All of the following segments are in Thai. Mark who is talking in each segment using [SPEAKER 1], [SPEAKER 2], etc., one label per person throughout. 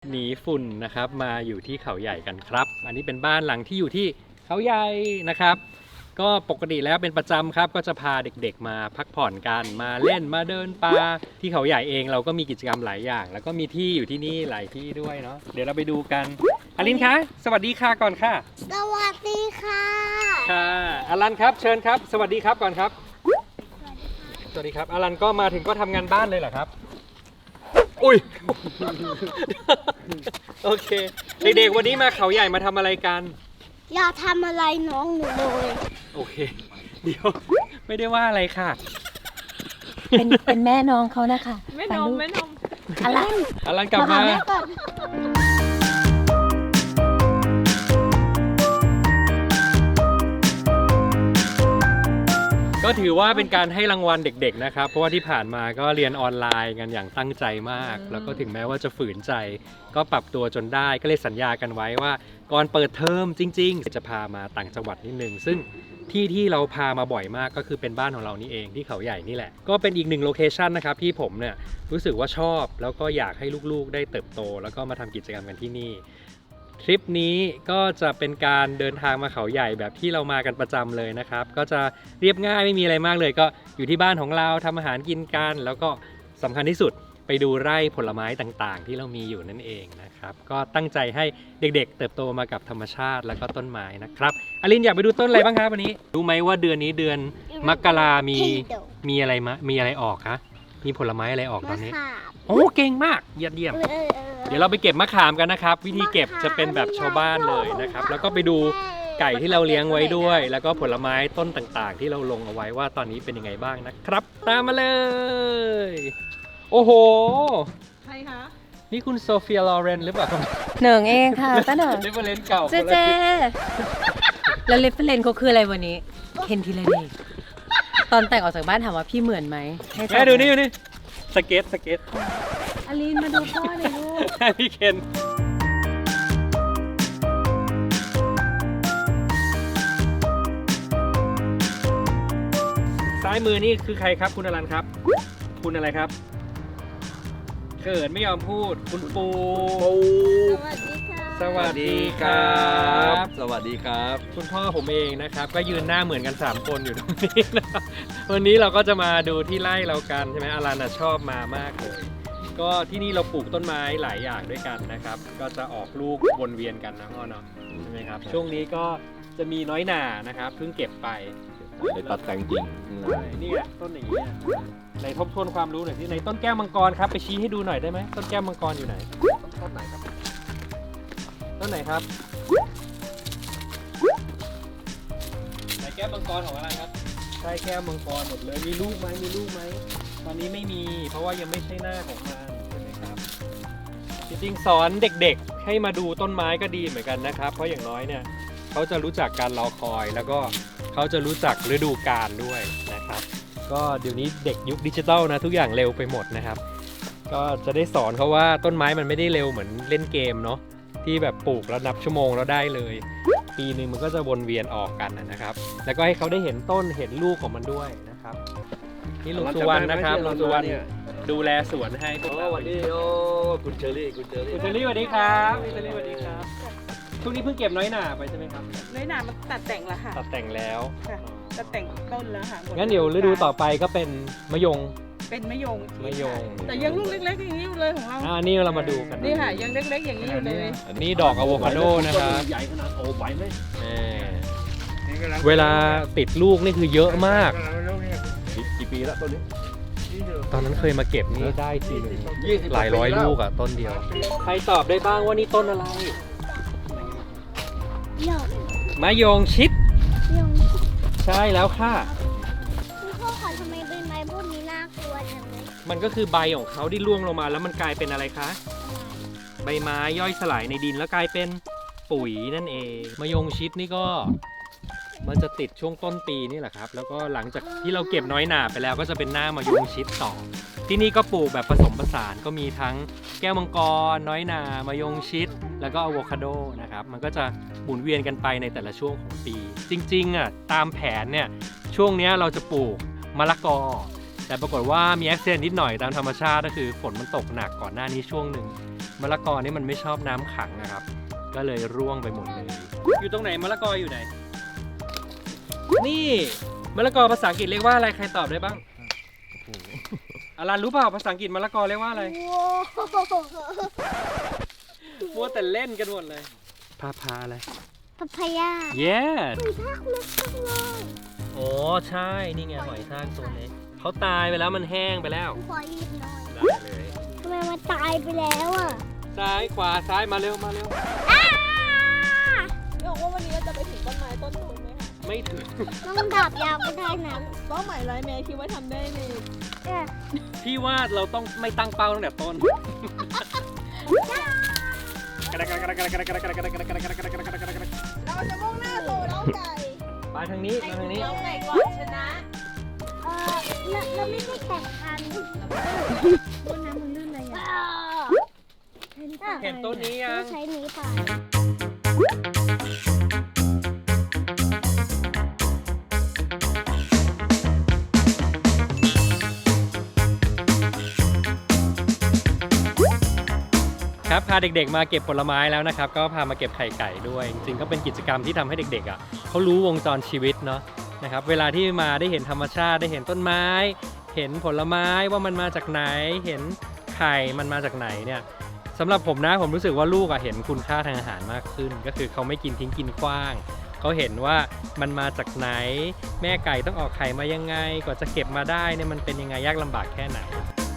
[SPEAKER 1] หนีฝุ่นนะครับมาอยู่ที่เขาใหญ่กันครับอันนี้เป็นบ้านหลังที่อยู่ที่เขาใหญ่นะครับก็ปกติแล้วเป็นประจำครับก็จะพาเด็กๆมาพักผ่อนกันมาเล่นมาเดินป่าที่เขาใหญ่เองเราก็มีกิจกรรมหลายอย่างแล้วก็มีที่อยู่ที่นี่หลายที่ด้วยเนาะเดี๋ยวเราไปดูกันอลินคะสวัสดีค่ะก่อนค่ะ
[SPEAKER 2] สวัสดีค่ะ
[SPEAKER 1] ค่ะอลันครับเชิญครับสวัสดีครับก่อนครับสวัสดีครับอลันก็มาถึงก็ทำงานบ้านเลยเหรอครับอุ้ย โอเคเด็กๆวันนี้มาเขาใหญ่มาทำอะไรกัน
[SPEAKER 2] อย่าทำอะไรน้องหนูเลย
[SPEAKER 1] โอเคเดี๋ยวไม่ได้ว่าอะไรค่ะ
[SPEAKER 3] เป็นแม่น้องเขานะคะ
[SPEAKER 4] แม่นม
[SPEAKER 1] อลันกลับมาก็ถือว่าเป็นการให้รางวัลเด็กๆนะครับเพราะว่าที่ผ่านมาก็เรียนออนไลน์กันอย่างตั้งใจมากแล้วก็ถึงแม้ว่าจะฝืนใจก็ปรับตัวจนได้ก็เลยสัญญากันไว้ว่าก่อนเปิดเทอมจริงๆจะพามาต่างจังหวัดนิดนึงซึ่งที่เราพามาบ่อยมากก็คือเป็นบ้านของเรานี่เองที่เขาใหญ่นี่แหละก็เป็นอีกหนึ่งโลเคชันนะครับที่ผมเนี่ยรู้สึกว่าชอบแล้วก็อยากให้ลูกๆได้เติบโตแล้วก็มาทำกิจกรรมกันที่นี่ทริปนี้ก็จะเป็นการเดินทางมาเขาใหญ่แบบที่เรามากันประจำเลยนะครับก็จะเรียบง่ายไม่มีอะไรมากเลยก็อยู่ที่บ้านของเราทำอาหารกินกันแล้วก็สำคัญที่สุดไปดูไร่ผลไม้ต่างๆที่เรามีอยู่นั่นเองนะครับก็ตั้งใจให้เด็กๆเติบโตมากับธรรมชาติแล้วก็ต้นไม้นะครับอลินอยากไปดูต้นอะไรบ้างครับวันนี้รู้ไหมว่าเดือนนี้เดือนมกรามีอะไรออกคะมีผลไม้อะไรออกตอนนี้โอ้เก่งมากเยี่ยมเดี๋ยวเราไปเก็บมะขามกันนะครับวิธีเก็บจะเป็นแบบชาวบ้านเลยนะครับแล้วก็ไปดูไก่ที่เราเลี้ยงไว้ด้วยแล้วก็ผลไม้ต้นต่างๆที่เราลงเอาไว้ว่าตอนนี้เป็นยังไงบ้างนะครับตามมาเลยโอ้โห
[SPEAKER 4] ใครคะ
[SPEAKER 1] นี่คุณโซเฟียลอเรนหรือเปล่า
[SPEAKER 3] เหนิงเองค่ะป้าเหนิง
[SPEAKER 1] เรฟเฟอเรนซ์เก่า
[SPEAKER 3] เจ๊แล้วเรฟเฟอเรนซ์เขาคืออะไรวันนี้เคนทีละเดย์ตอนแต่งออกจากบ้านถามว่าพี่เหมือนไหม
[SPEAKER 1] แม่ดูนี่สเก็ต
[SPEAKER 3] อลินมาดูพ่อหน่อยลูก
[SPEAKER 1] พี่เคนซ้ายมือนี่คือใครครับคุณอรันครับคุณอะไรครับเกิดไม่ยอมพูดคุณปูสวัสดีครับ
[SPEAKER 5] สวัสดีครับ
[SPEAKER 1] คุณพ่อผมเองนะครับก็ยืนหน้าเหมือนกัน3คนอยู่ตรงนี้นะวันนี้เราก็จะมาดูที่ไร่เรากันใช่ไหมอลันชอบมามากเลยก็ที่นี่เราปลูกต้นไม้หลายอย่างด้วยกันนะครับก็จะออกลูกวนเวียนกันนะพ่อเนาะใช่ไหมครับช่วงนี้ก็จะมีน้อยหน่านะครับเพิ่งเก็บไป
[SPEAKER 5] ตัดแต่งจริง
[SPEAKER 1] นี่แหละต้นอย่างนี้ในทบทวนความรู้หน่อยที่ในต้นแก้วมังกรครับไปชี้ให้ดูหน่อยได้ไหมต้นแก้วมังกรอยู่ไหนต้นไหนครับต้นไหนครับไหนแก้วมังกรของอะไรครับใช่แก้วมังกรหมดเลยมีลูกไหมตอนนี้ไม่มีเพราะว่ายังไม่ใช่หน้าของมันใช่ไหมครับจริงๆสอนเด็กๆให้มาดูต้นไม้ก็ดีเหมือนกันนะครับเพราะอย่างน้อยเนี่ยเขาจะรู้จักการรอคอยแล้วก็เขาจะรู้จักฤดูกาลด้วยนะครับก็เดี๋ยวนี้เด็กยุคดิจิตอลนะทุกอย่างเร็วไปหมดนะครับก็จะได้สอนเขาว่าต้นไม้มันไม่ได้เร็วเหมือนเล่นเกมเนาะที่แบบปลูกแล้วนับชั่วโมงแล้วได้เลยปีนึงมันก็จะวนเวียนออกกันนะครับแล้วก็ให้เขาได้เห็นต้นเห็นลูกของมันด้วยนะครับนี่ลุงสุวรรณนะครับลุงสุวรรณดูแลสวนให้พวกเรา
[SPEAKER 5] วันนี้คุณเชอรี่
[SPEAKER 1] สวัสดีครับพี่เชอรี่สวัสดีครับช่วงนี้เพิ่งเก็บน้อยหน่าไปใช่ไหมครับ
[SPEAKER 4] น้อยหน่ามันตัดแต่งแล้วค่ะ
[SPEAKER 1] ตัดแต่งแล้ว
[SPEAKER 4] ตัดแต่งต้นแล้วค่ะ
[SPEAKER 1] งั้นเดี๋ยวฤดูต่อไปก็เป็นมะยง
[SPEAKER 4] เป็นมะยงแต่
[SPEAKER 1] ยั
[SPEAKER 4] งลูกเล็กๆอย่างนี้อยู่เลยของเรา
[SPEAKER 1] นี่เรามาดูกัน
[SPEAKER 4] นี่ค่ะยังเล็กๆอย่างนี้อยู่เลย
[SPEAKER 1] นี่ดอกอะโวคาโดนะครับ
[SPEAKER 5] ใหญ่ขนาดโอ้ไหวไหม
[SPEAKER 1] เวลาติดลูกนี่คือเยอะมาก
[SPEAKER 5] กี่ปีแล้วต้นนี้
[SPEAKER 1] ตอนนั้นเคยมาเก็บนี่ได้ทีนึงหลายร้อยลูกอะต้นเดียวใครตอบได้บ้างว่านี่ต้นอะไรมะยงชิดใช่แล้วค่ะ
[SPEAKER 2] คุณพ่อคะทำไมใบไม้พวกนี้น่ากลัวจังเลย
[SPEAKER 1] มันก็คือใบของเขาที่ร่วงลงมาแล้วมันกลายเป็นอะไรคะใบไม้ย่อยสลายในดินแล้วกลายเป็นปุ๋ยนั่นเองมะยงชิดนี่ก็มันจะติดช่วงต้นปีนี่แหละครับแล้วก็หลังจากที่เราเก็บน้อยหน่าไปแล้วก็จะเป็นหน้ามะยงชิดต่อที่นี่ก็ปลูกแบบผสมผสานก็มีทั้งแก้วมังกรน้อยหน่ามะยงชิดแล้วก็อะโวคาโดนะครับมันก็จะหมุนเวียนกันไปในแต่ละช่วงของปีจริงๆอ่ะตามแผนเนี่ยช่วงนี้เราจะปลูกมะละกอแต่ปรากฏว่ามีแอคซิเดนต์นิดหน่อยตามธรรมชาติก็คือฝนมันตกหนักก่อนหน้านี้ช่วงหนึ่งมะละกอนี่มันไม่ชอบน้ำขังนะครับ ก็เลยร่วงไปหมดเลย อยู่ตรงไหนมะละกออยู่ไหน นี่มะละกอภาษาอังกฤษเรียกว่าอะไรใครตอบได้บ้างอารันรู้เปล่าภาษาอังกฤษมะละกอเรียกว่าอะไร มัวแต่เล่นกันหมดเลยพาอะไร
[SPEAKER 2] พัพายา
[SPEAKER 1] yes
[SPEAKER 2] หอยทากเล็กจังเลย
[SPEAKER 1] โอ้ใช่นี่ไงหอยทากตัวเล็กเขาตายไปแล้วมันแห้งไปแล้ว
[SPEAKER 2] ขอหยิบหน่อย
[SPEAKER 1] ได้เลย
[SPEAKER 2] ทำไมมันตายไปแล้วอ่ะ
[SPEAKER 1] ซ้ายขวาซ้ายมาเร็วมาเร็ว
[SPEAKER 4] บอกว่าวันนี้เราจะไปถึงต้นไม้ต้นนู้นไหมคะ
[SPEAKER 1] ไม่ถึง
[SPEAKER 2] ต้องดาบยาวไม่ได้นะ
[SPEAKER 4] เป้าหมายไรแม่คิดว่าทำได้ใน
[SPEAKER 1] พี่ว่าเราต้องไม่ตั้งเป้าตั้งแต่ต้น
[SPEAKER 4] เราจะมุ่งหน้าสู่เล้าไก่
[SPEAKER 1] ไปทางนี้มาทางนี้
[SPEAKER 3] เล้าไก่ก่อนชนะ
[SPEAKER 2] เราไม่ได้แข่งกันบนน้ำมันลื่นเลยอ่ะ
[SPEAKER 1] เห็นต้นนี้ยัง
[SPEAKER 2] ใช้นี้ค่ะ
[SPEAKER 1] ครับพาเด็กๆมาเก็บผลไม้แล้วนะครับก็พามาเก็บไข่ไก่ด้วยจริงๆก็เป็นกิจกรรมที่ทำให้เด็กๆเขารู้วงจรชีวิตเนาะนะครับเวลาที่มาได้เห็นธรรมชาติได้เห็นต้นไม้ เห็นผลไม้ว่ามันมาจากไหนเห็นไข่มันมาจากไหนเนี่ยสำหรับผมนะผมรู้สึกว่าลูกเห็นคุณค่าทางอาหารมากขึ้น ก็คือเขาไม่กินทิ้งกินขว้างเขาเห็นว่ามันมาจากไหนแม่ไก่ต้องออกไข่มายังไงกว่าจะเก็บมาได้เนี่ยมันเป็นยังไงยากลำบากแค่ไหน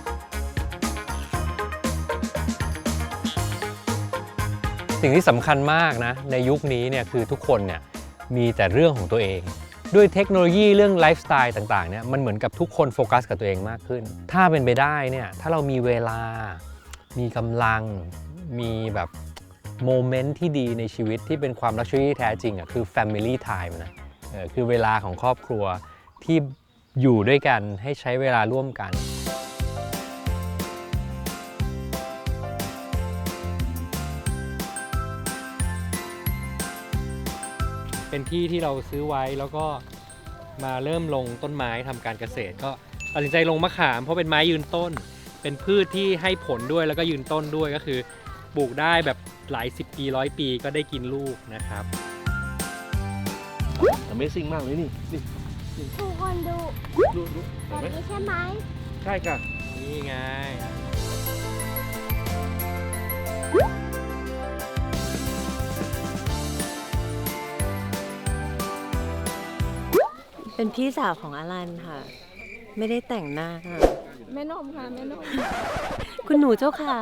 [SPEAKER 1] สิ่งที่สำคัญมากนะในยุคนี้เนี่ยคือทุกคนเนี่ยมีแต่เรื่องของตัวเองด้วยเทคโนโลยีเรื่องไลฟ์สไตล์ต่างๆเนี่ยมันเหมือนกับทุกคนโฟกัสกับตัวเองมากขึ้นถ้าเป็นไปได้เนี่ยถ้าเรามีเวลามีกำลังมีแบบโมเมนต์ที่ดีในชีวิตที่เป็นความลักชัวรี่แท้จริงคือ Family Time นะคือเวลาของครอบครัวที่อยู่ด้วยกันให้ใช้เวลาร่วมกันเป็นที่ที่เราซื้อไว้แล้วก็มาเริ่มลงต้นไม้ทำการเกษตรก็ตัดสินใจลงมะขามเพราะเป็นไม้ยืนต้นเป็นพืชที่ให้ผลด้วยแล้วก็ยืนต้นด้วยก็คือปลูกได้แบบหลาย10 ปี100 ปีก็ได้กินลูกนะครับ
[SPEAKER 5] Amazing มากเลยนี่
[SPEAKER 2] ทุกคนดู
[SPEAKER 5] ดู
[SPEAKER 2] แบ
[SPEAKER 5] เห็น
[SPEAKER 2] บ
[SPEAKER 5] ไหม
[SPEAKER 2] นี้ใช่ไหม
[SPEAKER 5] ใช่ค่ะ
[SPEAKER 1] นี่ไง
[SPEAKER 3] เป็นพี่สาวของอลันค่ะ ไม่ได้แต่งหน้าค่ะ
[SPEAKER 4] แม่นมค่ะแม่นม
[SPEAKER 3] คุณหนูเจ้าค่ะ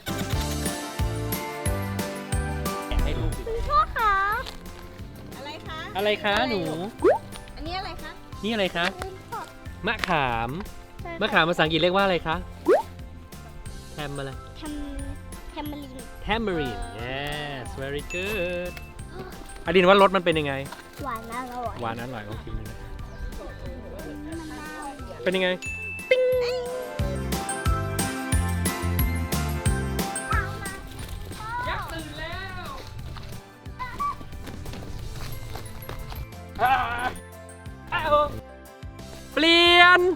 [SPEAKER 1] ให้ลูกดิ
[SPEAKER 2] พ่อคะ
[SPEAKER 4] อะไรคะ
[SPEAKER 1] อะไรคะหนู
[SPEAKER 4] อันนี้อะไรคะ
[SPEAKER 1] นี่อะไรคะ
[SPEAKER 2] ลืมพ่อ
[SPEAKER 1] มะขามมะขามภาษาอังกฤษเรียกว่าอะไรคะแทมอะไร
[SPEAKER 2] แทมมาริน
[SPEAKER 1] Tamarind yes very good อดินว่ารสมันเป็นยังไง
[SPEAKER 2] หวานอร่อย
[SPEAKER 1] หวานอร่อยลองชิมดูนะเป็นยังไงยักษ์ตื่นแล้วเปลี่ยน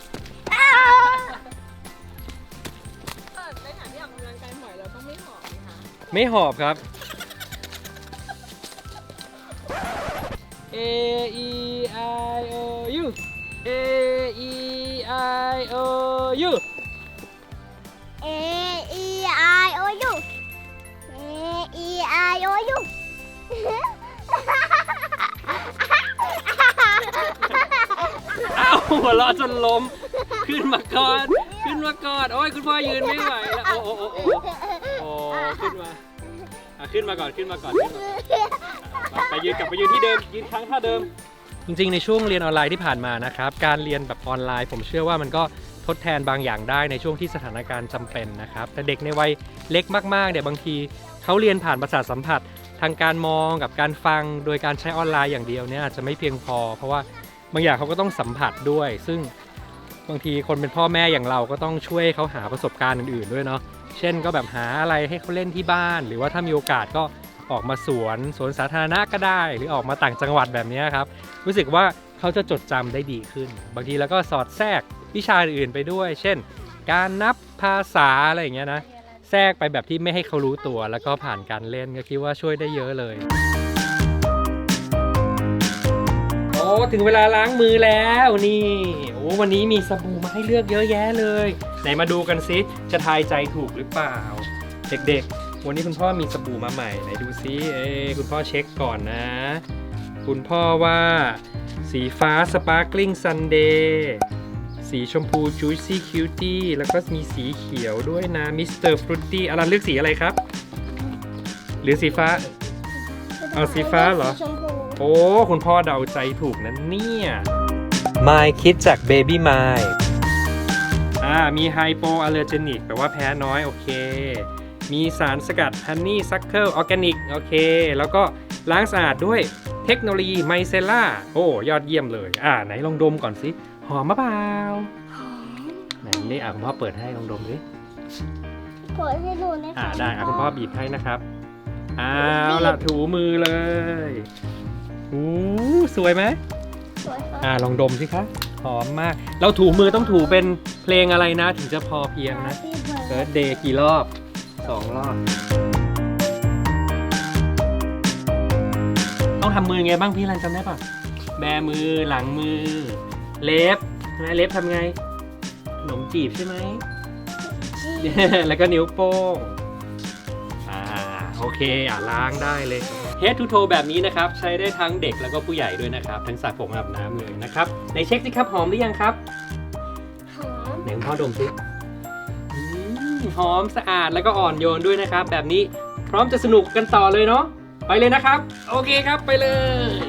[SPEAKER 4] ในฐานที่ออกกำลังกายบ่อยเราต้องไม่หอบนะคะ
[SPEAKER 1] ไม่หอบครับ A E I O U A E I O U
[SPEAKER 2] A E I O U A E I O U
[SPEAKER 1] อ้าวหัวเราะจนล้มขึ้นมาก่อนขึ้นมาก่อนโอ้ยคุณพ่อยืนไม่ไหวแล้วโอ้ขึ้นมาขึ้นมาก่อนขึ้นมาก่อนไปยืนกลับไปยืนที่เดิมยืนครั้งท่าเดิม จริงๆในช่วงเรียนออนไลน์ที่ผ่านมานะครับการเรียนแบบออนไลน์ผมเชื่อว่ามันก็ทดแทนบางอย่างได้ในช่วงที่สถานการณ์จำเป็นนะครับแต่เด็กในวัยเล็กมากๆเนี่ยบางทีเขาเรียนผ่านประสาทสัมผัสทางการมองกับการฟังโดยการใช้ออนไลน์อย่างเดียวเนี่ยอาจจะไม่เพียงพอเพราะว่าบางอย่างเขาก็ต้องสัมผัสด้วย ซึ่งบางทีคนเป็นพ่อแม่อย่างเราก็ต้องช่วยเขาหาประสบการณ์อื่นๆด้วยเนาะเช่นก็แบบหาอะไรให้เขาเล่นที่บ้าน หรือว่าถ้ามีโอกาสก็ออกมาสวนสาธารณะก็ได้ หรือออกมาต่างจังหวัดแบบนี้ครับรู้สึกว่าเขาจะจดจำได้ดีขึ้น บางทีแล้วก็สอดแทรกวิชาอื่นๆไปด้วย เช่น การนับภาษาอะไรอย่างเงี้ยนะแทรกไปแบบที่ไม่ให้เขารู้ตัวแล้วก็ผ่านการเล่นก็คิดว่าช่วยได้เยอะเลยโอ้ถึงเวลาล้างมือแล้วนี่โอ้วันนี้มีสบู่มาให้เลือกเยอะแยะเลยไหนมาดูกันซิจะทายใจถูกหรือเปล่าเด็กๆวันนี้คุณพ่อมีสบู่มาใหม่ไหนดูซิคุณพ่อเช็คก่อนนะคุณพ่อว่าสีฟ้า Sparkling Sunday สีชมพู Juicy Cutie แล้วก็มีสีเขียวด้วยนะ Mr. Fruity อลันเลือกสีอะไรครับ หรือสีฟ้า เอาสีฟ้าเหรอ
[SPEAKER 2] ชมพู
[SPEAKER 1] โอ้คุณพ่อเดาใจถูกนะเนี่ย My คิดจาก Baby My มีไฮโปอัลเลอร์เจนิกแปลว่าแพ้น้อยโอเค มีสารสกัด Honey Suckle Organic โอเค แล้วก็ล้างสะอาดด้วยเทคโนโลยีไมเซล่าโอ้ยอดเยี่ยมเลยไหนลองดมก่อนสิหอมมะเปล่าไหนนี่คุณพ่อเปิดให้ลองดมดิ
[SPEAKER 2] เปิดให้ดูนะคะ
[SPEAKER 1] ได้คุณพ่อบีบให้นะครับเอาละถูมือเลยสวยไหม
[SPEAKER 2] สวยค่ะ
[SPEAKER 1] ลองดมสิคะหอมมาก เราถูมือต้องถูเป็นเพลงอะไรนะ ถึงจะพอเพียงนะ Birthday กี่รอบ2 รอบ ต้องทำมือไงบ้างพี่รันจำได้ป่ะ แบมือหลังมือ เล็บใช่ไหมเล็บทำไงขนมจีบใช่ไหม แล้วก็นิ้วโป้งโอเคล้างได้เลย Head to toe แบบนี้นะครับ ใช้ได้ทั้งเด็กแล้วก็ผู้ใหญ่ด้วยนะครับ ทั้งสระผมอาบน้ำเลยนะครับไหนเช็คสิครับหอมหรือยังครับ
[SPEAKER 2] หอม
[SPEAKER 1] ไหนคุณพ่อดมสิหอมสะอาดแล้วก็อ่อนโยนด้วยนะครับ แบบนี้พร้อมจะสนุกกันต่อเลยเนาะไปเลยนะครับ โอเคครับไปเลย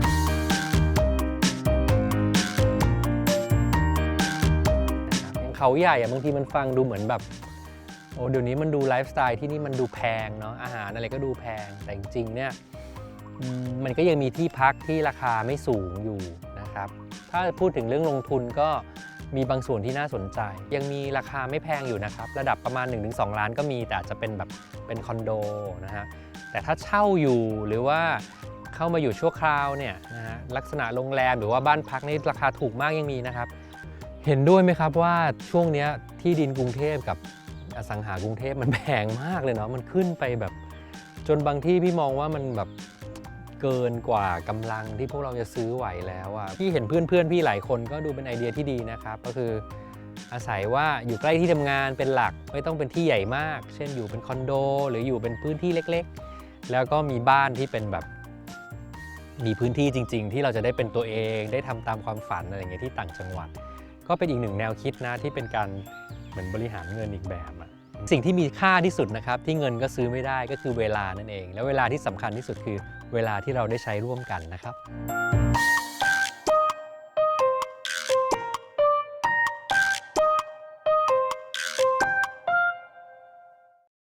[SPEAKER 1] เขาใหญ่บางทีมันฟังดูเหมือนแบบเดี๋ยวนี้มันดูไลฟ์สไตล์ที่นี่มันดูแพงเนาะอาหารอะไรก็ดูแพงแต่จริงๆเนี่ยมันก็ยังมีที่พักที่ราคาไม่สูงอยู่นะครับถ้าพูดถึงเรื่องลงทุนก็มีบางส่วนที่น่าสนใจยังมีราคาไม่แพงอยู่นะครับระดับประมาณ 1-2 ล้านก็มีแต่อาจจะเป็นแบบเป็นคอนโดนะฮะแต่ถ้าเช่าอยู่หรือว่าเข้ามาอยู่ชั่วคราวเนี่ยนะฮะลักษณะโรงแรมหรือว่าบ้านพักนี่ราคาถูกมากยังมีนะครับเห็นด้วยไหมครับว่าช่วงนี้ที่ดินกรุงเทพกับอสังหากรุงเทพมันแพงมากเลยเนาะมันขึ้นไปแบบจนบางที่พี่มองว่ามันแบบเกินกว่ากำลังที่พวกเราจะซื้อไหวแล้วอ่ะพี่เห็นเพื่อนพี่หลายคนก็ดูเป็นไอเดียที่ดีนะครับก็คืออาศัยว่าอยู่ใกล้ที่ทำงานเป็นหลักไม่ต้องเป็นที่ใหญ่มากเช่นอยู่เป็นคอนโดหรืออยู่เป็นพื้นที่เล็กๆแล้วก็มีบ้านที่เป็นแบบมีพื้นที่จริงๆที่เราจะได้เป็นตัวเองได้ทำตามความฝันอะไรอย่างเงี้ยที่ต่างจังหวัดก็เป็นอีกหนึ่งแนวคิดนะที่เป็นการเหมือนบริหารเงินอีกแบบอะสิ่งที่มีค่าที่สุดนะครับที่เงินก็ซื้อไม่ได้ก็คือเวลานั่นเองแล้วเวลาที่สำคัญที่สุดคือเวลาที่เราได้ใช้ร่วมกันนะครับ